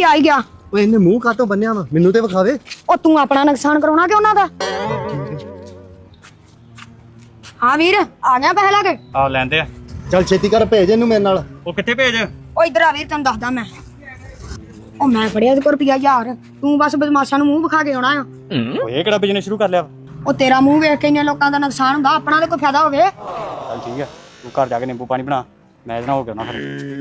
ਆ ਹੀ ਗਿਆ। ਓਏ ਇਹਨੇ ਮੂੰਹ ਕਾਤੋਂ ਬੰਨਿਆ ਵਾ, ਮੈਨੂੰ ਤੇ ਵਿਖਾਵੇ। ਉਹ ਤੂੰ ਆਪਣਾ ਨੁਕਸਾਨ ਕਰਾਉਣਾ ਕਿ ਉਹਨਾਂ ਦਾ? ਹਾਂ ਵੀਰ ਆ ਗਿਆ ਪੈਸੇ ਲਾ ਕੇ? ਆ ਲੈਂਦੇ ਆ। ਚੱਲ ਛੇਤੀ ਕਰ, ਭੇਜ ਇਹਨੂੰ ਮੇਰੇ ਨਾਲ। ਉਹ ਕਿੱਥੇ ਭੇਜ? ਉਹ ਇਧਰ ਆ ਵੀਰ, ਤੈਨੂੰ ਦੱਸਦਾ ਮੈਂ। ਉਹ ਮੈਂ ਫੜਿਆ ਇਹਦੇ ਕੋਲ ਰੁਪਿਆ 1000। ਤੂੰ ਬਸ ਬਦਮਾਸ਼ਾਂ ਨੂੰ ਮੂੰਹ ਵਿਖਾ ਕੇ ਆਉਣਾ ਆ। ਉਹ ਇਹ ਕਿਹੜਾ ਬਿਜ਼ਨਸ ਸ਼ੁਰੂ ਕਰ ਲਿਆ? ਉਹ ਤੇਰਾ ਮੂੰਹ ਵੇਖ ਕੇ ਇੰਨੇ ਲੋਕਾਂ ਦਾ ਨੁਕਸਾਨ ਹੁੰਦਾ, ਆਪਣਾ ਤੇ ਕੋਈ ਫਾਇਦਾ ਹੋਵੇ। ਚੱਲ ਠੀਕ ਆ, ਤੂੰ ਘਰ ਜਾ ਕੇ ਨਿੰਬੂ ਪਾਣੀ ਬਣਾ, ਮੈਂ ਇਹਦੇ ਨਾਲ ਹੋ ਗਿਆ ਨਾ ਫਿਰ।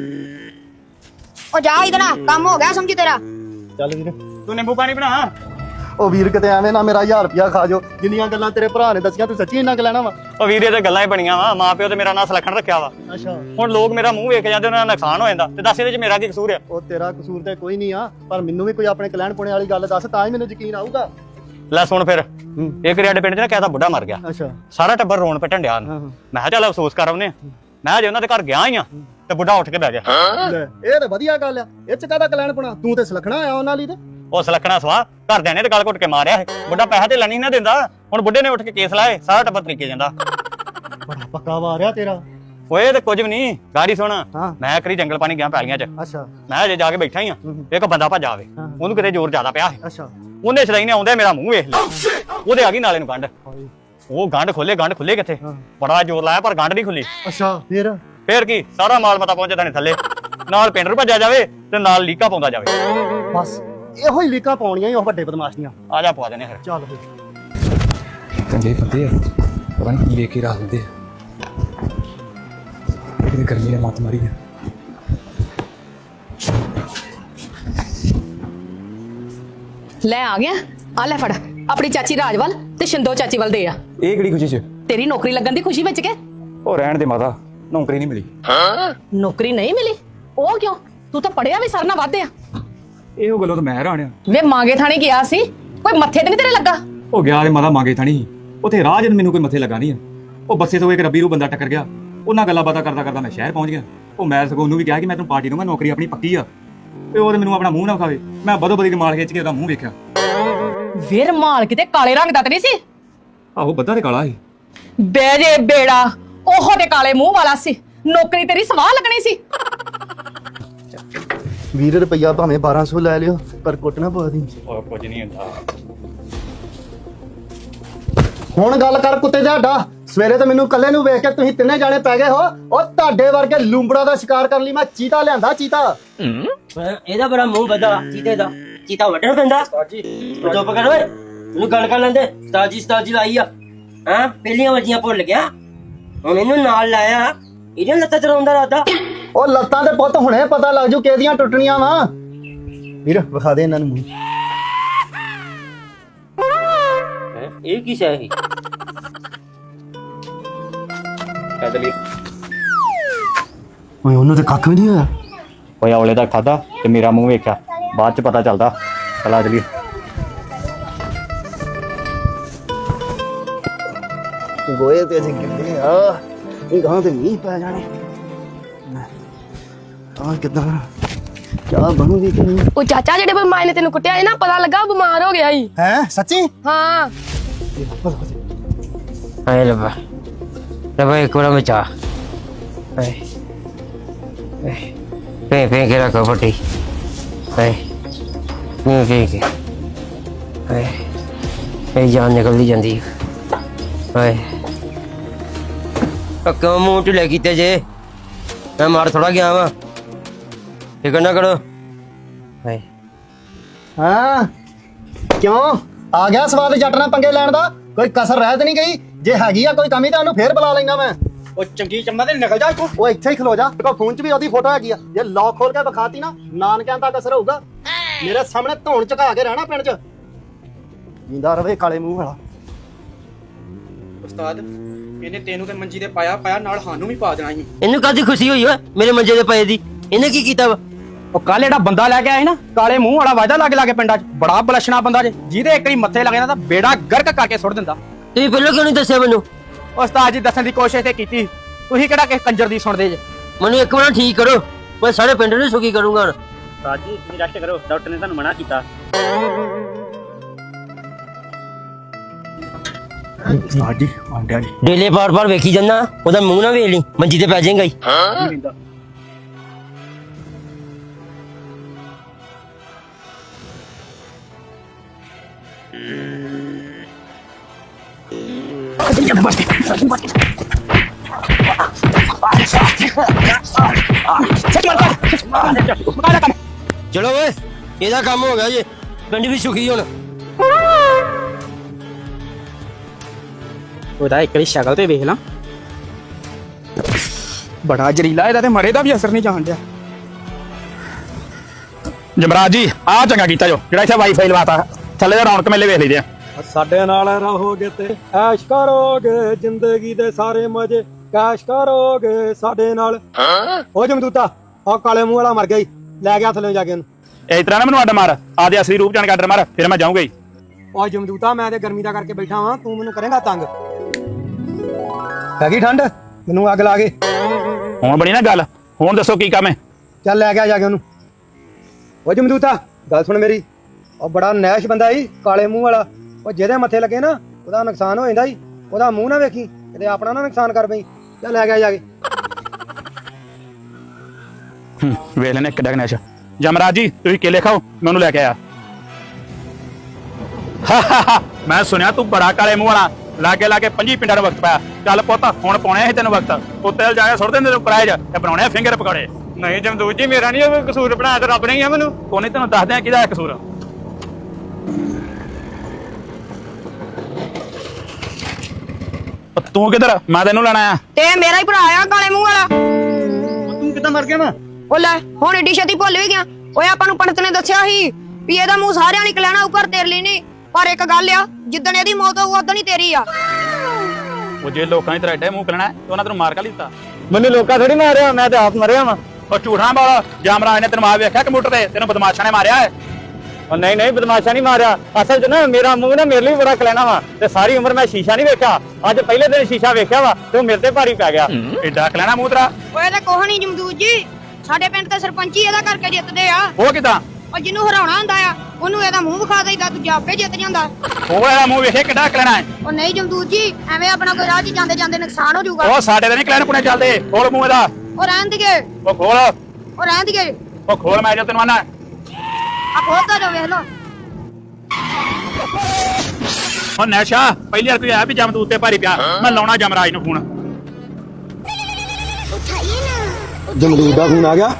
ਉਹ ਜਾ ਇਧਰ ਆ, ਕੰਮ ਹੋ ਗਿਆ ਸਮਝੀ ਤੇਰਾ। ਚੱਲ ਵੀਰ। ਤੂੰ ਨਿੰਬੂ ਪਾਣੀ ਬਣਾ। ਉਹ ਵੀਰ ਕਿਤੇ ਐਵੇਂ ਨਾ ਮੇਰਾ 1000 ਰੁਪਿਆ ਖਾ ਜਾਓ। ਜਿੰਨੀਆਂ ਗੱਲਾਂ ਤੇਰੇ ਭਰਾ ਨੇ ਦੱਸੀਆਂ ਤੂੰ ਸੱਚੀ ਇੰਨਾ ਕੁ ਲੈਣਾ ਵਾ? ਉਹ ਵੀਰੇ ਤੇ ਗੱਲਾਂ ਹੀ ਬਣੀਆਂ ਵਾ, ਮਾਂ ਪਿਓ ਤੇ ਮੇਰਾ ਨਾਂ ਸੁਲੱਖਣ ਰੱਖਿਆ ਵਾ। ਅੱਛਾ। ਹੁਣ ਲੋਕ ਮੇਰਾ ਮੂੰਹ ਵੇਖ ਜਾਂਦੇ, ਉਹਨਾਂ ਦਾ ਨੁਕਸਾਨ ਹੋ ਜਾਂਦਾ, ਤੇ ਦੱਸ ਇਹਦੇ ਚ ਮੇਰਾ ਕੀ ਕਸੂਰ ਆ? ਉਹ ਤੇਰਾ ਕਸੂਰ ਤੇ ਕੋਈ ਨਹੀਂ ਆ, ਪਰ ਮੈਨੂੰ ਵੀ ਕੋਈ ਆਪਣੇ ਕਲਿਆਣ ਪੁਣੇ ਵਾਲੀ ਗੱਲ ਦੱਸ, ਤਾਂ ਹੀ ਮੈਨੂੰ ਯਕੀਨ ਆਊਗਾ। ਲੈ ਸੁਣ ਫਿਰ, ਇੱਕ ਰਿਆੜੇ ਪਿੰਡ ਚ ਨਾ ਕਹਿਦਾ ਬੁੱਢਾ ਮਰ ਗਿਆ। ਅੱਛਾ। ਸਾਰਾ ਟੱਬਰ ਰੋਣ ਪਿੱਟਣ ਡਿਆ। ਮੈਂ ਕਿਹਾ ਚੱਲ ਅਫਸੋਸ ਕਰ ਆਉਨੇ। ਮੈਂ ਜੇ ਉਹਨਾਂ ਦੇ ਘਰ ਗਿਆ ਹੀ ਆ ਤੇ ਬੁੱਢਾ ਉੱਠ ਕੇ ਬਹਿ ਗਿਆ। ਲੈ ਇਹ ਤਾਂ ਵਧੀਆ ਗੱਲ ਆ, ਇਹ ਚ ਕਾਹਦਾ ਕਲਿਆਣ ਪੁਣਾ? ਤੂੰ ਤੇ ਸੁਲੱਖਣਾ ਆਇਆ ਉਹਨਾਂ ਲਈ। ਤੇ ਉਹ ਸੁਲੱਖਣਾ ਸਵਾ ਘਰਦਿਆਂ ਨੇ ਤੇ ਗਲ ਘੁੱਟ ਕੇ ਮਾਰਿਆ ਹੈ। ਬੁੱਢਾ ਪੈਸਾ ਤੇ ਲੈਣੀ ਨਾ ਦਿੰਦਾ, ਹੁਣ ਬੁੱਢੇ ਨੇ ਉੱਠ ਕੇ ਕੇਸ ਲਾਏ, ਸਾਰਾ ਟੱਬਰ ਤਰੀਕੇ ਜਾਂਦਾ। ਬੜਾ ਪੱਕਾ ਵਾਰਿਆ ਤੇਰਾ। ਓਏ ਤੇ ਕੁਝ ਵੀ ਨਹੀਂ, ਗਾੜੀ ਸੁਣ। ਹਾਂ। ਮੈਂ ਕਰੀ ਜੰਗਲ ਪਾਣੀ ਗਿਆ ਪੈਲੀਆਂ ਚ। ਅੱਛਾ। ਮੈਂ ਜੇ ਜਾ ਕੇ ਬੈਠਾ ਹੀ ਆ, ਇੱਕ ਬੰਦਾ ਭੱਜ ਆਵੇ, ਉਹਨੂੰ ਕਿਤੇ ਜ਼ੋਰ ਜ਼ਿਆਦਾ ਪਿਆ ਹੈ। ਅੱਛਾ। ਉਹਨੇ ਸਦਾਈ ਨੇ ਆਉਂਦੇ ਮੇਰਾ ਮੂੰਹ ਵੇਖ ਲਿਆ, ਉਹਦੇ ਆ ਗਈ ਨਾਲੇ ਨੂੰ ਗੰਢ। ਉਹ ਗੰਢ ਖੁੱਲੇ ਕਿੱਥੇ, ਬੜਾ ਜ਼ੋਰ ਲਾਇਆ ਪਰ ਗੰਢ ਨਹੀਂ ਖੁੱਲੀ। ਅੱਛਾ। ਫੇਰ ਕੀ, ਸਾਰਾ ਮਾਲ ਮਤਾ ਪਹੁੰਚਦਾ ਨੇ ਥੱਲੇ, ਨਾਲ ਪਿੰਡ ਨੂੰ ਭੱਜਿਆ ਜਾਵੇ ਤੇ ਨਾਲ ਲੀਕਾ ਪਾਉਂਦਾ ਜਾਵੇ। ਬਸ ਇਹੋ ਹੀ ਲੀਕਾਂ ਪਾਉਣੀਆਂ ਹੀ ਉਹ ਵੱਡੇ ਬਦਮਾਸ਼ ਦੀਆਂ। ਆ ਜਾ ਪਵਾ ਦੇਣੇ ਫਿਰ। ਚੱਲ ਫਿਰ। ਚੰਗੇ ਬੰਦੇ ਆ, ਪਤਾ ਨਹੀਂ ਕੀ ਵੇਖ ਕੇ ਰੱਖ ਦਿੰਦੇ ਆ। ਕਿਤੇ ਗਰਮੀ ਨੇ ਮੱਤ ਮਾਰੀ ਆ। ਲੈ ਆ ਗਿਆ, ਆ ਲੈ ਫੜ ਆਪਣੀ ਚਾਚੀ ਰਾਜਵਲ ਤੇ ਸ਼ਿੰਦੋ ਚਾਚੀ ਵੱਲ ਦੇ ਆ। ਇਹ ਕਿਹੜੀ ਖੁਸ਼ੀ ਚ? ਤੇਰੀ ਨੌਕਰੀ ਲੱਗਣ ਦੀ ਖੁਸ਼ੀ ਵਿੱਚ ਕੇ। ਉਹ ਰਹਿਣ ਦੇ ਮਾਤਾ, ਨੌਕਰੀ ਨਹੀਂ ਮਿਲੀ। ਨੌਕਰੀ ਨਹੀਂ ਮਿਲੀ? ਉਹ ਕਿਉਂ? ਤੂੰ ਤਾਂ ਪੜਿਆ ਵੀ ਸਰਨਾ ਵੱਧ ਆ। ਇਹੋ ਗੱਲੋਂ ਤਾਂ ਮੈਂ ਹੈਰਾਨ ਆ। ਵੇ ਮਾਂਗੇ ਥਾਣੇ ਗਿਆ ਸੀ, ਕੋਈ ਮੱਥੇ ਤੇ ਨਹੀਂ ਤੇਰੇ ਲੱਗਾ? ਉਹ ਗਿਆ ਤੇ ਮਾਤਾ ਮੰਗੇ ਥਾਣੀ, ਉੱਥੇ ਰਾਹ ਜਦ ਮੈਨੂੰ ਕੋਈ ਮੱਥੇ ਲੱਗਾ ਨਹੀਂ ਆ। ਉਹ ਬੱਸੇ ਤੋਂ ਇੱਕ ਰੱਬੀ ਨੂੰ ਬੰਦਾ ਟੱਕਰ ਗਿਆ, ਉਹਨਾਂ ਗੱਲਾਂ ਬਾਤਾਂ ਕਰਦਾ ਕਰਦਾ ਮੈਂ ਸ਼ਹਿਰ ਪਹੁੰਚ ਗਿਆ। ਉਹ ਮੈਂ ਸਗੋਂ ਉਹਨੂੰ ਵੀ ਕਿਹਾ ਕਿ ਮੈਂ ਤੈਨੂੰ ਪਾਰਟੀ ਦੂੰਗਾ, ਨੌਕਰੀ ਆਪਣੀ ਪੱਕੀ ਆ। ਤੇ ਉਹ ਤੇ ਮੈਨੂੰ ਆਪਣਾ ਮੂੰਹ ਨਾ ਵਿਖਾਵੇ। ਮੈਂ ਬਦੋ ਬਦੀ ਮਾਲ ਖਿੱਚ ਕੇ ਉਹਦਾ ਮੂੰਹ ਵੇਖਿਆ। ਵੇ ਰਮਾਲ ਕਿਤੇ ਕਾਲੇ ਰੰਗ ਦਾ ਤੇ ਨਹੀਂ ਸੀ? ਆਹੋ ਬੱਦਾ ਤੇ ਕਾਲਾ ਸੀ। ਬੇ ਜੇ ਬੇੜਾ, ਉਹ ਤੇ ਕਾਲੇ ਮੂੰਹ ਵਾਲਾ ਸੀ। ਨੌਕਰੀ ਤੇਰੀ ਸਵਾਹ ਲੱਗਣੀ ਸੀ। 20 ਰੁਪਇਆ ਭਾਵੇਂ 1200 ਲੈ ਲਿਓ, ਪਰ ਕੁੱਟ ਨਾ ਪਵਾ ਦੀ। ਉਹ ਕੁਝ ਨਹੀਂ ਹੁੰਦਾ। ਹੁਣ ਗੱਲ ਕਰ ਕੁੱਤੇ ਦਾ ਡਾ। ਸਵੇਰੇ ਤੇ ਮੈਨੂੰ ਇਕੱਲੇ ਨੂੰ ਵੇਖ ਕੇ ਤੁਸੀਂ ਤਿੰਨੇ ਜਾਣੇ ਪੈ ਗਏ ਹੋ। ਉਹ ਤੁਹਾਡੇ ਵਰਗੇ ਲੂੰਬੜਾ ਦਾ ਸ਼ਿਕਾਰ ਕਰਨ ਲਈ ਮੈਂ ਚੀਤਾ ਲਿਆਂਦਾ। ਚੀਤਾ ਇਹਦਾ ਬੜਾ ਮੂੰਹ ਵੱਡਾ ਚੀਤੇ ਦਾ। ਚੀਤਾ ਵੱਢਣਾ ਪੈਂਦਾ। ਚੁੱਪ ਕਰ ਓਏ, ਮੈਨੂੰ ਗੱਲ ਕਰ ਲੈਂਦੇ। ਸਤਾਜੀ ਲਾਈ ਆ। ਹਾਂ ਪਹਿਲੀਆਂ ਵਰਜੀਆਂ ਭੁੱਲ ਗਿਆ, ਹੁਣ ਇਹਨੂੰ ਨਾਲ ਲਾਇਆ। ਇਹਦੀਆਂ ਲੱਤਾਂ ਚਲਾਉਂਦਾ ਰਾਦਾ। ਉਹ ਲੱਤਾਂ ਦੇ ਪੁੱਤ ਹੁਣੇ ਪਤਾ ਲੱਗ ਜੂ ਕਿਹਦੀਆਂ ਟੁੱਟਣੀਆਂ ਵਾ। ਵੀਰ ਵਿਖਾ ਦੇ ਇਹਨਾਂ ਨੂੰ ਮੂੰਹ। ਇਹ ਕੀ ਸ਼ੈ ਸੀ? ਓਏ ਉਹਨੂੰ ਤੇ ਕੱਖ ਵੀ ਨਹੀਂ ਹੋਇਆ। ਓਏ ਔਲੇ ਦਾ ਖਾਦਾ ਤੇ ਮੇਰਾ ਮੂੰਹ ਵੇਖਿਆ, ਬਾਅਦ ਚ ਪਤਾ ਚੱਲਦਾ। ਚਲਾ ਚਲੀਏ। ਗੋਏ ਤੇ ਅਸੀਂ ਗਿੱਲੇ ਆ, ਇਹ ਗਾਂ ਤੇ ਮੀਂਹ ਪੈ ਜਾਣੇ। ਆ ਕਿੱਦਾਂ ਕਿਆ ਬਣੂਗੀ ਕਿ ਨਹੀਂ? ਉਹ ਚਾਚਾ ਜਿਹੜੇ ਬਿਮਾਰ ਨੇ ਤੈਨੂੰ ਕੁੱਟਿਆ ਸੀ ਨਾ, ਪਤਾ ਲੱਗਾ ਬਿਮਾਰ ਹੋ ਗਿਆ ਸੀ। ਹੈ ਸੱਚੀ? ਹਾਂ ਹਾਏ ਰੱਬਾ, ਰੱਬਾ ਇੱਕ ਵਾਰ ਬਚਾ। ਹਾਏ ਫੇ ਕੇ ਰੱਖੋ ਫੱਟੀ। ਹਾਏ ਫੇ ਕੇ। ਹਾਏ ਇਹ ਜਾਨ ਨਿਕਲਦੀ ਜਾਂਦੀ। ਹਾਏ ਕਿਉਂ ਮੂੰਹ ਢਿੱਲੇ ਕੀਤੇ ਜੇ? ਮੈਂ ਮਾਰ ਥੋੜਾ ਗਿਆ ਵਾ, ਫਿਕਰ ਨਾ ਕਰੋ। ਹਾਏ ਹਾਂ ਕਿਉਂ ਆ ਗਿਆ ਸਵਾਦ ਜੱਟ ਨਾਲ ਪੰਗੇ ਲੈਣ ਦਾ? ਕੋਈ ਕਸਰ ਰਹਿ ਤੇ ਨਹੀਂ ਗਈ? ਜੇ ਹੈਗੀ ਆ ਕੋਈ ਕਮੀ ਤਾਂ ਉਹਨੂੰ ਫੇਰ ਬੁਲਾ ਲੈਂਗਾ ਮੈਂ। ਉਹ ਚੰਗੀ ਚੰਮਾ ਤੇ ਨਿਕਲ ਜਾ ਇੱਥੋਂ। ਉਹ ਇੱਥੇ ਹੀ ਖਲੋ ਜਾ, ਦੇਖੋ ਫੋਨ 'ਚ ਵੀ ਉਹਦੀ ਫੋਟੋ ਹੈਗੀ ਆ। ਜੇ ਲੌਕ ਖੋਲ ਕੇ ਵਿਖਾਤੀ ਨਾ, ਨਾਨਕਿਆਂ ਤੱਕ ਅਸਰ ਹੋਊਗਾ। ਮੇਰੇ ਸਾਹਮਣੇ ਧੌਣ ਝੁਕਾ ਕੇ ਰਹਿਣਾ ਪਿੰਡ 'ਚ। ਜਿੰਦਾ ਰਵੇ ਕਾਲੇ ਮੂੰਹ ਵਾਲਾ। ਉਸਤਾਦ ਇਹਨੇ ਤੈਨੂੰ ਤੇ ਮੰਜੀ ਤੇ ਪਾਇਆ ਨਾਲ ਸਾਨੂੰ ਵੀ ਪਾ ਦੇਣਾ ਸੀ। ਇਹਨੂੰ ਕਾਹਦੀ ਖੁਸ਼ੀ ਹੋਈ ਓਏ ਮੇਰੇ ਮੰਜੇ ਦੇ ਪਏ ਦੀ? ਇਹਨੇ ਕੀ ਕੀਤਾ ਵਾ? ਉਹ ਕੱਲ ਜਿਹੜਾ ਬੰਦਾ ਲੈ ਕੇ ਆਇਆ ਸੀ ਨਾ, ਕਾਲੇ ਮੂੰਹ ਵਾਲਾ ਵਾਜਦਾ ਲਾਗੇ ਪਿੰਡਾਂ 'ਚ, ਬੜਾ ਬਲਸ਼ਣਾ ਬੰਦਾ ਜੇ, ਜਿਹਦੇ ਇੱਕ ਵਾਰੀ ਮੱਥੇ ਲੱਗ ਜਾਂਦਾ ਤਾਂ ਬੇੜਾ ਗਰਕ ਕਰਕੇ ਸੁੱਟ ਦਿੰਦਾ। ਤੁਸੀਂ ਪਹਿਲਾਂ ਕਿਉਂ ਨਹੀਂ ਦੱਸਿਆ ਮੈਨੂੰ? ਉਸਤਾਦ ਜੀ ਦੱਸਣ ਦੀ ਕੋਸ਼ਿਸ਼ ਤੇ ਕੀਤੀ, ਤੁਸੀਂ ਕਿਹੜਾ ਕਿਸੇ ਕੰਜਰ ਦੀ ਸੁਣਦੇ ਜੇ। ਮੈਨੂੰ ਇੱਕ ਵਾਰ ਠੀਕ ਕਰੋ, ਮੈਂ ਸਾਰੇ ਪਿੰਡ ਨੂੰ ਸੁਖੀ ਕਰੂੰਗਾ। ਹੁਣ ਸਾਜੀ ਤੁਸੀਂ ਰੈਸਟ ਕਰੋ, ਡਾਕਟਰ ਨੇ ਤੁਹਾਨੂੰ ਮਨਾ ਕੀਤਾ। ਸਾਡੀ ਆਂਡਿਆ ਜੀ ਡੇਲੇ ਬਾਰ ਵੇਖੀ ਜਾਂਦਾ, ਉਹਦਾ ਮੂੰਹ ਨਾ ਵੇਖ ਲਈ, ਮੰਜੀ ਤੇ ਪੈ ਜਾਏਗਾ ਹੀ। ਚਲੋ ਓਏ ਇਹਦਾ ਕੰਮ ਹੋ ਗਿਆ ਜੀ ਪਿੰਡ ਵੀ ਸੁਖੀ ਹੁਣ ਉਹਦਾ ਇੱਕ ਵਾਰੀ ਸ਼ਕਲ ਤੇ ਵੇਖ ਲਾਂ ਬੜਾ ਜ਼ਰੀਲਾ ਇਹਦਾ ਤੇ ਮਰੇ ਦਾ ਵੀ ਅਸਰ ਨਹੀਂ ਜਾਣ ਡਿਆ ਜਮਰਾਜ ਜੀ ਆ ਚੰਗਾ ਕੀਤਾ ਜੋ ਜਿਹੜਾ ਇੱਥੇ ਵਾਈਫਾਈ ਲਵਾਤਾ ਥੱਲੇ ਦਾ ਰੌਣਕ ਮੇਲੇ ਵੇਖ ਲਈਦੇ ਆ ਸਾਡੇ ਨਾਲ ਰਹੋਗੇ ਤੇ ਐਸ਼ ਕਰੋਗੇ ਜ਼ਿੰਦਗੀ ਦੇ ਸਾਰੇ ਮਜ਼ੇ ਕੈਸ਼ ਕਰੋਗੇ ਸਾਡੇ ਨਾਲ। ਉਹ ਜਮਦੂਤਾ ਉਹ ਕਾਲੇ ਮੂੰਹ ਵਾਲਾ ਮਰ ਗਿਆ ਈ, ਲੈ ਗਿਆ ਥੱਲੇ ਜਾ ਕੇ ਉਹਨੂੰ। ਇਸ ਤਰ੍ਹਾਂ ਨਾ ਮੈਨੂੰ ਅੱਡ ਮਾਰ ਆਦੇ ਅਸਲੀ ਰੂਪ ਜਾਣ ਕੇ ਅੱਡ ਮਾਰ ਫਿਰ ਮੈਂ ਜਾਊਂਗਾ ਹੀ। ਉਹ ਜਮਦੂਤਾ ਮੈਂ ਤੇ ਗਰਮੀ ਦਾ ਕਰਕੇ ਬੈਠਾ ਵਾਂ, ਤੂੰ ਮੈਨੂੰ ਕਰੇਂਗਾ ਤੰਗ। ਹੈਗੀ ਠੰਡ ਮੈਨੂੰ ਅੱਗ ਲਾ ਕੇ। ਹੁਣ ਬਣੀ ਨਾ ਗੱਲ, ਹੁਣ ਦੱਸੋ ਕੀ ਕੰਮ ਹੈ? ਚੱਲ ਲੈ ਗਿਆ ਜਾ ਕੇ ਉਹਨੂੰ। ਉਹ ਜਮਦੂਤਾ ਗੱਲ ਸੁਣ ਮੇਰੀ, ਉਹ ਬੜਾ ਨੈਸ਼ ਬੰਦਾ ਈ ਕਾਲੇ ਮੂੰਹ ਵਾਲਾ। ਉਹ ਜਿਹਦੇ ਮੱਥੇ ਲੱਗੇ ਨਾ ਉਹਦਾ ਨੁਕਸਾਨ ਹੋ ਜਾਂਦਾ ਈ, ਉਹਦਾ ਮੂੰਹ ਨਾ ਵੇਖੀ ਕਿਤੇ ਆਪਣਾ ਨਾ ਨੁਕਸਾਨ ਕਰ ਪਈ। ਚੱਲ ਲੈ ਗਿਆ ਜਾ ਕੇ। ਵੇਖ ਲੈਣੇ ਕਿੱਡਾ ਗਨੇਸ਼। ਜਮਰਾਜ ਜੀ ਤੁਸੀਂ ਕੇਲੇ ਖਾਓ, ਮੈਂ ਉਹਨੂੰ ਲੈ ਕੇ ਆਇਆ। ਮੈਂ ਸੁਣਿਆ ਤੂੰ ਬੜਾ ਕਾਲੇ ਮੂੰਹ ਵਾਲਾ, ਲਾਗੇ ਲਾਗੇ 25 ਪਿੰਡਾਂ ਨੂੰ ਵਕਤ ਪਾਇਆ। ਚੱਲ ਪੁੱਤ ਹੁਣ ਪਾਉਣੇ ਸੀ ਤੈਨੂੰ ਵਕਤ, ਉੱਤੇ ਜਾ ਕੇ ਸੁੱਟ ਦਿੰਦੇ ਤੈਨੂੰ ਪ੍ਰਾਈਜ਼ ਤੇ ਬਣਾਉਣੇ ਫਿੰਗਰ ਪਕੌੜੇ। ਨਹੀਂ ਜਮਦੂਤ ਜੀ ਮੇਰਾ ਨਹੀਂ ਉਹ ਕਸੂਰ, ਬਣਾਇਆ ਤਾਂ ਰੱਬ ਨੇ ਹੀ ਆ ਮੈਨੂੰ। ਕੋਨੇ ਤੈਨੂੰ ਦੱਸਦੇ ਆ ਕਿਹਦਾ ਕਸੂਰ। ਤੂੰ ਕਿੱਧਰ? ਮੈਂ ਤੈਨੂੰ ਲੈਣਾ ਆ। ਤੇ ਮੇਰਾ ਹੀ ਭਰਾ ਆ ਕਾਲੇ ਮੂੰਹ ਵਾਲਾ। ਤੂੰ ਕਿੱਦਾਂ ਮਰ ਗਿਆ ਵਾ? ਉਹ ਲੈ ਹੁਣ ਏਡੀ ਛੇਤੀ ਭੁੱਲ ਵੀ ਗਿਆ। ਓਏ ਆਪਾਂ ਨੂੰ ਪੰਡਤ ਨੇ ਦੱਸਿਆ ਸੀ ਵੀ ਇਹਦਾ ਮੂੰਹ ਸਾਰਿਆਂ ਨੇ ਲੈਣਾ ਉੱਪਰ ਤੇਰੇ ਲਈ ਨਹੀਂ, ਪਰ ਇੱਕ ਗੱਲ ਆ ਜਿੱਦਣ ਇਹਦੀ ਮੌਤ ਹੋਊ ਉਦੋਂ ਹੀ ਤੇਰੀ ਆ। ਉਹ ਜੇ ਲੋਕਾਂ ਨੇ ਤੇਰਾ ਐਡਾ ਮੂੰਹ ਕਰਨਾ ਤੇ ਉਹਨਾਂ ਤੈਨੂੰ ਮਾਰ ਕਾ ਲਿੱਤਾ? ਮੈਨੂੰ ਲੋਕਾਂ ਥੋੜੀ ਮਾਰਿਆ, ਮੈਂ ਤੇ ਆਪ ਮਰਿਆ ਵਾ। ਉਹ ਝੂਠਾਂ ਵਾਲਾ ਜਾਮਰਾਜ ਨੇ ਤੈਨੂੰ ਮਾਰ ਵੇਖਿਆ ਕੰਪਿਊਟਰ ਤੇ, ਤੈਨੂੰ ਬਦਮਾਸ਼ਾਂ ਨੇ ਮਾਰਿਆ ਹੈ। ਉਹ ਨਹੀਂ ਨਹੀਂ ਬਦਮਾਸ਼ਾ ਨਹੀਂ ਮਾਰਿਆ, ਅਸਲ 'ਚ ਨਾ ਮੇਰਾ ਮੂੰਹ ਨਾ ਮੇਰੇ ਲਈ ਬੜਾ ਕਲੈਣਾ ਵਾ ਤੇ ਸਾਰੀ ਉਮਰ ਮੈਂ ਸ਼ੀਸ਼ਾ ਨਹੀਂ ਵੇਖਿਆ। ਅੱਜ ਪਹਿਲੇ ਦਿਨ ਸ਼ੀਸ਼ਾ ਵੇਖਿਆ ਵਾ ਤੇ ਉਹ ਮੇਰੇ ਤੇ ਭਾਰੀ ਪੈ ਗਿਆ। ਐਡਾ ਕਲੈਣਾ ਮੂੰਹ ਤੇਰਾ। ਓਏ ਤਾਂ ਕੋਹ ਨਹੀਂ ਜਮਦੂਤ ਜੀ, ਸਾਡੇ ਪਿੰਡ ਤੇ ਸਰਪੰਚ ਹੀ ਇਹਦਾ ਕਰਕੇ ਜਿੱਤਦੇ ਆ। ਉਹ ਕਿਦਾਂ? ਉਹ ਜਿਹਨੂੰ ਹਰਾਉਣਾ ਹੁੰਦਾ ਆ ਉਹਨੂੰ ਇਹਦਾ ਮੂੰਹ ਵਿਖਾ ਦੇਈਦਾ, ਦੂਜਾ ਆਪੇ ਜਿੱਤ ਜਾਂਦਾ। ਉਹ ਇਹਦਾ ਮੂੰਹ ਵੇਖੇ ਕਿੱਡਾ ਕਲੈਣਾ ਹੈ। ਉਹ ਨਹੀਂ ਜਮਦੂਤ ਜੀ, ਐਵੇਂ ਆਪਣਾ ਕੋਈ ਰਾਹ 'ਚ ਜਾਂਦੇ ਜਾਂਦੇ ਨੁਕਸਾਨ ਹੋ ਜਾਊਗਾ। ਉਹ ਸਾਡੇ ਤੇ ਨਹੀਂ ਕਲੈਣ ਪੁਣੇ ਚੱਲਦੇ। ਖੋਲ ਮੂੰਹ ਇਹਦਾ। ਉਹ ਰਹਿਣ ਦੀਏ, ਉਹ ਖੋਲ, ਉਹ ਰਹਿਣ ਦੀਏ। ਉਹ ਖੋਲ, ਮੈਂ ਜੋ ਤੈਨੂੰ ਆਣਾ। ਆ ਖੋਲਦਾ ਜਾ ਵੇਖ ਲੋ। ਉਹ ਨੈਸ਼ਾ ਪਹਿਲੀ ਵਾਰ ਕੋਈ ਆਇਆ ਵੀ ਜਮਦੂਤ ਤੇ ਭਾਰੀ ਪਿਆ, ਮੈਂ ਲਾਉਣਾ ਜਮਰਾਜ ਨੂੰ ਫੋਨ। ਜਮਦੂਤ ਦਾ ਫੋਨ ਆ ਗਿਆ।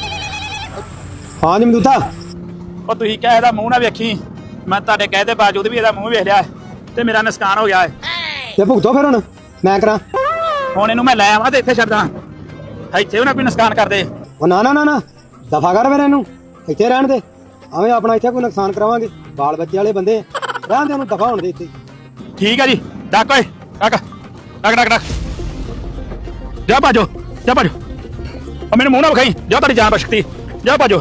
ਹਾਂ ਜਮਦੂਤਾ। ਉਹ ਤੁਸੀਂ ਕਿਹਾ ਇਹਦਾ ਮੂੰਹ ਨਾ ਵੇਖੀ, ਮੈਂ ਤੁਹਾਡੇ ਕਹੇ ਦੇ ਬਾਵਜੂਦ ਵੀ ਇਹਦਾ ਮੂੰਹ ਵੇਖ ਲਿਆ ਤੇ ਮੇਰਾ ਨੁਕਸਾਨ ਹੋ ਗਿਆ ਹੈ। ਤੇ ਭੁਗਤੋ ਫਿਰ ਹੁਣ ਮੈਂ ਕਰਾਂ। ਹੁਣ ਇਹਨੂੰ ਮੈਂ ਲੈ ਆਵਾਂ ਤੇ ਇੱਥੇ ਛੱਡਾਂ? ਇੱਥੇ ਉਹਨਾਂ ਕੋਈ ਨੁਕਸਾਨ ਕਰਦੇ। ਉਹ ਨਾ ਨਾ ਨਾ ਨਾ ਦਫਾ ਕਰ ਫਿਰ ਇਹਨੂੰ, ਇੱਥੇ ਰਹਿਣ ਦੇ। ਐਵੇਂ ਆਪਣਾ ਇੱਥੇ ਕੋਈ ਨੁਕਸਾਨ ਕਰਾਵਾਂਗੇ, ਬਾਲ ਬੱਚੇ ਵਾਲੇ ਬੰਦੇ ਰਹਿਣ ਦੇ, ਉਹਨੂੰ ਦਫਾ ਹੋਣ ਦੇ ਇੱਥੇ। ਠੀਕ ਹੈ ਜੀ, ਡੱਕ ਓਏ ਡੱਕ ਡੱਕ ਡੱਕ ਡੱਕ। ਜਾ ਭਾਜੋ, ਜਾ ਭਾਜੋ। ਉਹ ਮੈਨੂੰ ਮੂੰਹ ਨਾ ਵਿਖਾਈ, ਜਾ ਤੁਹਾਡੀ ਜਾਨ ਬਖਸ਼ਤੀ, ਜਾ ਭਾਜੋ।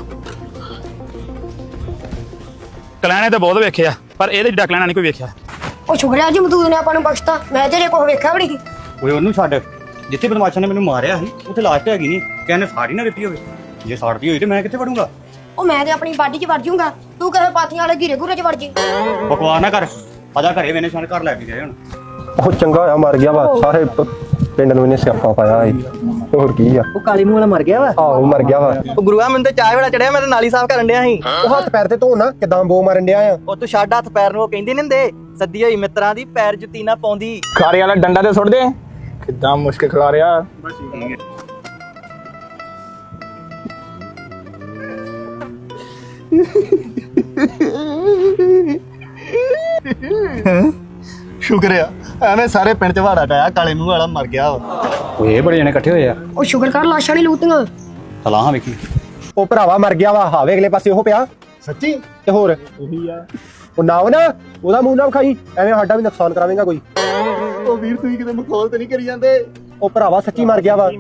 ਕਲੈਣੇ ਤੇ ਬਹੁਤ ਵੇਖਿਆ ਪਰ ਇਹਦੇ ਜਿੱਡਾ ਕਲੈਣਾ ਨਹੀਂ ਕੋਈ ਵੇਖਿਆ। ਉਹ ਸ਼ੁਕਰਿਆ ਜਮਦੂਤ ਨੇ ਆਪਾਂ ਨੂੰ ਬਖਸ਼ਤਾ, ਮੈਂ ਤੇਰੇ ਕੋਲ ਵੇਖਿਆ ਵੀ ਨਹੀਂ। ਓਏ ਉਹਨੂੰ ਛੱਡ, ਜਿੱਥੇ ਬਦਮਾਸ਼ਾਂ ਨੇ ਮੈਨੂੰ ਮਾਰਿਆ ਸੀ ਉੱਥੇ ਲਾਸਟ ਹੈਗੀ ਨਹੀਂ, ਕਹਿੰਦੇ ਸਾੜੀ ਨਾ ਦਿੱਤੀ ਹੋਵੇ। ਜੇ ਸਾੜਦੀ ਹੋਈ ਤੇ ਮੈਂ ਕਿੱਥੇ ਵੜੂੰਗਾ? ਉਹ ਮੈਂ ਤੇ ਆਪਣੀ ਬਾਡੀ 'ਚ ਵੜ ਜਾਊਂਗਾ, ਤੂੰ ਕਿਸੇ ਪਾਥੀਆਂ ਵਾਲੇ ਘੀਰੇ ਘੂਰੇ 'ਚ ਵੜ ਜੀ। ਬਕਵਾਸ ਨਾ ਕਰ, ਆਜਾ ਘਰੇ ਵੇਨੇ ਸਾਨੂੰ ਘਰ ਲੈ ਕੇ ਗਏ ਹੁਣ। ਉਹ ਚੰਗਾ ਹੋਇਆ ਮਰ ਗਿਆ ਵਾ, ਸਾਰੇ ਪਿੰਡ ਨੂੰ ਇਹਨੇ ਸਿਆਪਾ ਪਾਇਆ ਏ। ਹੋਰ ਕੀ ਆ? ਉਹ ਕਾਲੀ ਮੂੰਹ ਵਾਲਾ ਮਰ ਗਿਆ ਵਾ। ਆਹੋ ਮਰ ਗਿਆ ਵਾ। ਉਹ ਗੁਰੂਆ ਮੈਨੂੰ ਤੇ ਚਾਹ ਬੜਾ ਚੜਿਆ, ਮੈਂ ਤੇ ਨਾਲੀ ਸਾਫ਼ ਕਰਨ ਡਿਆ ਸੀ। ਉਹ ਹੱਥ ਪੈਰ ਤੇ ਧੋਣਾ ਕਿਦਾਂ ਬੋ ਮਾਰਨ ਡਿਆ ਆ। ਉਹ ਤੂੰ ਛੱਡ ਹੱਥ ਪੈਰ ਨੂੰ, ਉਹ ਕਹਿੰਦੇ ਨੀ ਹੁੰਦੇ ਸੱਦੀ ਹੋਈ ਮਿੱਤਰਾਂ ਦੀ ਪੈਰ ਜੁੱਤੀ ਨਾ ਪਾਉਂਦੀ। ਖਾਰੇ ਵਾਲਾ ਡੰਡਾ ਤੇ ਸੁੱਟ ਦੇ। ਕਿੱਦਾਂ ਮੁਸ਼ਕਿਲ ਖਿਲਾ ਰਿਹਾ। ਸ਼ੁਕਰ ਆ ਐਵੇਂ ਸਾਰੇ ਪਿੰਡ ਚ ਵਾੜਾ ਟਾਇਆ, ਕਾਲੇ ਮੂੰਹ ਵਾਲਾ ਮਰ ਗਿਆ ਵਾ। ਓਏ ਇਹ ਬੜੇ ਜਣੇ ਇਕੱਠੇ ਹੋਏ ਆ। ਉਹ ਸ਼ੁਕਰ ਕਰ ਲਾਸ਼ਾਂ ਨਹੀਂ ਲੂਤੀਆਂ। ਸਲਾਹਾਂ ਵੇਖੀ। ਉਹ ਭਰਾਵਾ ਮਰ ਗਿਆ ਵਾ, ਹਾਵੇ ਅਗਲੇ ਪਾਸੇ ਉਹ ਪਿਆ। ਸੱਚੀ? ਤੇ ਹੋਰ ਉਹੀ ਆ। ਉਹ ਨਾ ਉਹਦਾ ਮੂੰਹ ਨਾ ਵਿਖਾਈ, ਐਵੇਂ ਸਾਡਾ ਵੀ ਨੁਕਸਾਨ ਕਰਾਵੇਂਗਾ ਕੋਈ। ਉਹ ਵੀਰ ਤੁਸੀਂ ਕਿਤੇ ਮਖੌਲ ਤੇ ਨਹੀਂ ਕਰੀ ਜਾਂਦੇ? ਉਹ ਭਰਾਵਾ ਸੱਚੀ ਮਰ ਗਿਆ ਵਾ।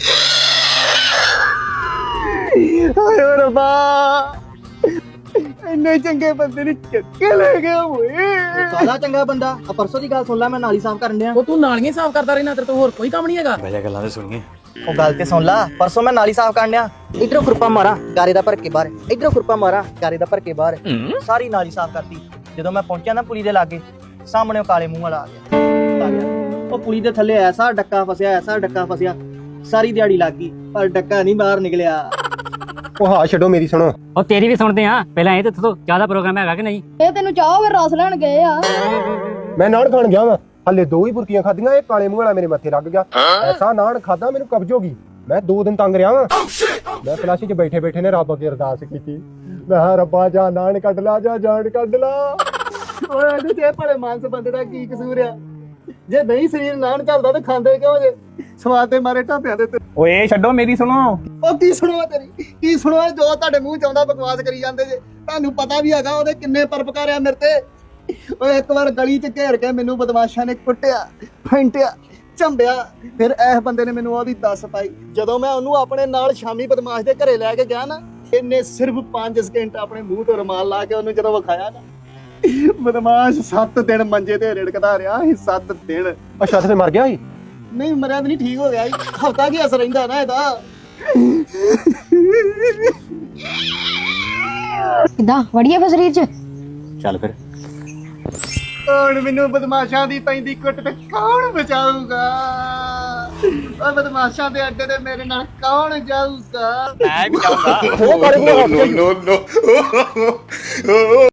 ਹਾਏ ਰੱਬਾ, ਇੰਨੇ ਚੰਗੇ ਬੰਦੇ ਨੇ ਚੱਕੇ ਲੈ ਗਿਆ ਓਏ। ਸਾਲਾ ਚੰਗਾ ਬੰਦਾ। ਆ ਪਰਸੋਂ ਦੀ ਗੱਲ ਸੁਣ ਲੈ, ਮੈਂ ਨਾਲੀ ਸਾਫ਼ ਕਰਨ ਡਿਆ। ਉਹ ਤੂੰ ਨਾਲੀਆਂ ਸਾਫ਼ ਕਰਦਾ ਰਹਿਣਾ, ਤੇਰੇ ਤੋਂ ਹੋਰ ਕੋਈ ਕੰਮ ਨਹੀਂ ਹੈਗਾ। ਬਹਿ ਗੱਲਾਂ ਤੇ ਸੁਣੀਏ। ਉਹ ਗੱਲ ਤੇ ਸੁਣ ਲਾ, ਪਰਸੋਂ ਮੈਂ ਨਾਲੀ ਸਾਫ਼ ਕਰਨ ਡਿਆ, ਇਧਰੋਂ ਖੁਰਪਾ ਮਾਰਾਂ ਗਾਰੇ ਦਾ ਭਰ ਕੇ ਬਾਹਰ, ਇਧਰੋਂ ਖੁਰਪਾ ਮਾਰਾਂ ਗਾਰੇ ਦਾ ਭਰ ਕੇ ਬਾਹਰ, ਸਾਰੀ ਨਾਲੀ ਸਾਫ਼ ਕਰਤੀ। ਜਦੋਂ ਮੈਂ ਪਹੁੰਚਿਆ ਨਾ ਪੁਲੀ ਦੇ ਲਾਗੇ, ਸਾਹਮਣੇ ਉਹ ਕਾਲੇ ਮੂੰਹ ਵਾਲਾ ਆ ਗਿਆ। ਉਹ ਪੁਲੀ ਦੇ ਥੱਲੇ ਐਸਾ ਡੱਕਾ ਫਸਿਆ, ਐਸਾ ਡੱਕਾ ਫਸਿਆ, ਸਾਰੀ ਦਿਹਾੜੀ ਲੱਗ ਗਈ ਪਰ ਡੱਕਾ ਨਹੀਂ ਬਾਹਰ ਨਿਕਲਿਆ। ਉਹ ਹਾਂ ਛੱਡੋ ਮੇਰੀ ਸੁਣੋ। ਉਹ ਤੇਰੀ ਵੀ ਸੁਣਦੇ ਆ ਪਹਿਲਾਂ ਇਹ ਦੱਸੋ ਚਾਹ ਦਾ ਪ੍ਰੋਗਰਾਮ ਹੈਗਾ ਕਿ ਨਹੀਂ? ਇਹ ਤੈਨੂੰ ਚਾਹ ਫਿਰ ਰਸ ਲੈਣ ਗਏ ਆ। ਮੈਂ ਨਾਨ ਖਾਣ ਗਿਆ ਵਾਂ, ਹਲੇ 2 ਹੀ ਬੁਰਕੀਆਂ ਖਾਧੀਆਂ, ਇਹ ਕਾਲੇ ਮੂੰਹ ਵਾਲਾ ਮੇਰੇ ਮੱਥੇ ਲੱਗ ਗਿਆ। ਐਸਾ ਨਾਨ ਖਾਦਾ ਮੈਨੂੰ ਕਬਜ਼ ਹੋ ਗਈ। ਮੈਂ 2 ਦਿਨ ਤੰਗ ਰਿਹਾ ਵਾਂ। ਮੈਂ ਫਲਾਸ਼ੀ 'ਚ ਬੈਠੇ ਬੈਠੇ ਨੇ ਰੱਬ ਅੱਗੇ ਅਰਦਾਸ ਕੀਤੀ, ਮੈਂ ਕਿਹਾ ਰੱਬਾ ਜਾ ਨਾਨ ਕੱਢ ਲਾ, ਜਾ ਜਾਨ ਕੱਢ ਲਾ। ਓਏ ਇਹਦੇ ਤੇ ਭਲੇ ਮਾਨਸ ਬੰਦੇ ਦਾ ਕੀ ਕਸੂਰ ਆ? ਜੇ ਨਹੀਂ ਸਰੀਰ ਨਾਨ ਚੱਲਦਾ ਤੇ ਖਾਂਦੇ ਕਿਉਂ ਜੇ? ਸਵਾਦ ਦੇ ਮਾਰੇ ਢਾਬਿਆਂ ਦੇ ਓਏ ਛੱਡੋ ਮੇਰੀ ਸੁਣੋ। ਉਹ ਕੀ ਸੁਣਵਾ ਤੇਰੀ, ਕੀ ਸੁਣਵਾ ਜੋ ਤੁਹਾਡੇ ਮੂੰਹ ਚ ਆਉਂਦਾ ਬਕਵਾਸ ਕਰੀ ਜਾਂਦੇ ਜੇ। ਤੁਹਾਨੂੰ ਪਤਾ ਵੀ ਹੈਗਾ ਉਹਦੇ ਕਿੰਨੇ ਪਰਪਕਾਰ ਆ ਮੇਰੇ ਤੇ। ਓਏ ਇੱਕ ਵਾਰ ਗਲੀ ਚ ਘੇਰ ਕੇ ਮੈਨੂੰ ਬਦਮਾਸ਼ਾਂ ਨੇ ਕੁੱਟਿਆ, ਫੈਂਟਿਆ, ਝੰਬਿਆ, ਫਿਰ ਇਸ ਬੰਦੇ ਨੇ ਮੈਨੂੰ ਉਹਦੀ ਦੱਸ ਪਾਈ। ਜਦੋਂ ਮੈਂ ਉਹਨੂੰ ਆਪਣੇ ਨਾਲ ਸ਼ਾਮੀ ਬਦਮਾਸ਼ ਦੇ ਘਰੇ ਲੈ ਕੇ ਗਿਆ ਨਾ, ਇਹਨੇ ਸਿਰਫ 5 ਸਕਿੰਟ ਆਪਣੇ ਮੂੰਹ ਤੋਂ ਰੁਮਾਲ ਲਾ ਕੇ ਉਹਨੂੰ ਜਦੋਂ ਵਿਖਾਇਆ ਨਾ, ਬਦਮਾਸ਼ 7 ਦਿਨ ਮੰਜੇ ਤੇ ਰਿੜਕਦਾ ਰਿਹਾ ਸੀ। 7 ਦਿਨ। ਅੱਛਾ ਤੇ ਫਿਰ ਮਰ ਗਿਆ ਸੀ? ਨਹੀਂ ਮਰਿਆ ਤਾਂ ਨਹੀਂ, ਠੀਕ ਹੋ ਗਿਆ ਸੀ। ਹਫਤਾ ਕੀ ਅਸਰ ਰਹਿੰਦਾ ਨਾ ਇਹਦਾ। ਕਿਦਾਂ ਵੜੀਏ ਫਿਰ ਸਰੀਰ 'ਚ? ਚੱਲ ਫਿਰ। ਹੁਣ ਮੈਨੂੰ ਬਦਮਾਸ਼ਾਂ ਦੀ ਪੈਂਦੀ ਕੁੱਟ ਤੇ ਕੌਣ ਬਚਾਊਗਾ? ਉਹ ਬਦਮਾਸ਼ਾਂ ਦੇ ਅੱਡੇ ਤੇ ਮੇਰੇ ਨਾਲ ਕੌਣ ਜਾਊਗਾ? ਮੈਂ ਵੀ ਜਾਊਂਗਾ। ਉਹ ਕਾਲੇ ਮੂੰਹ ਵਾਲਾ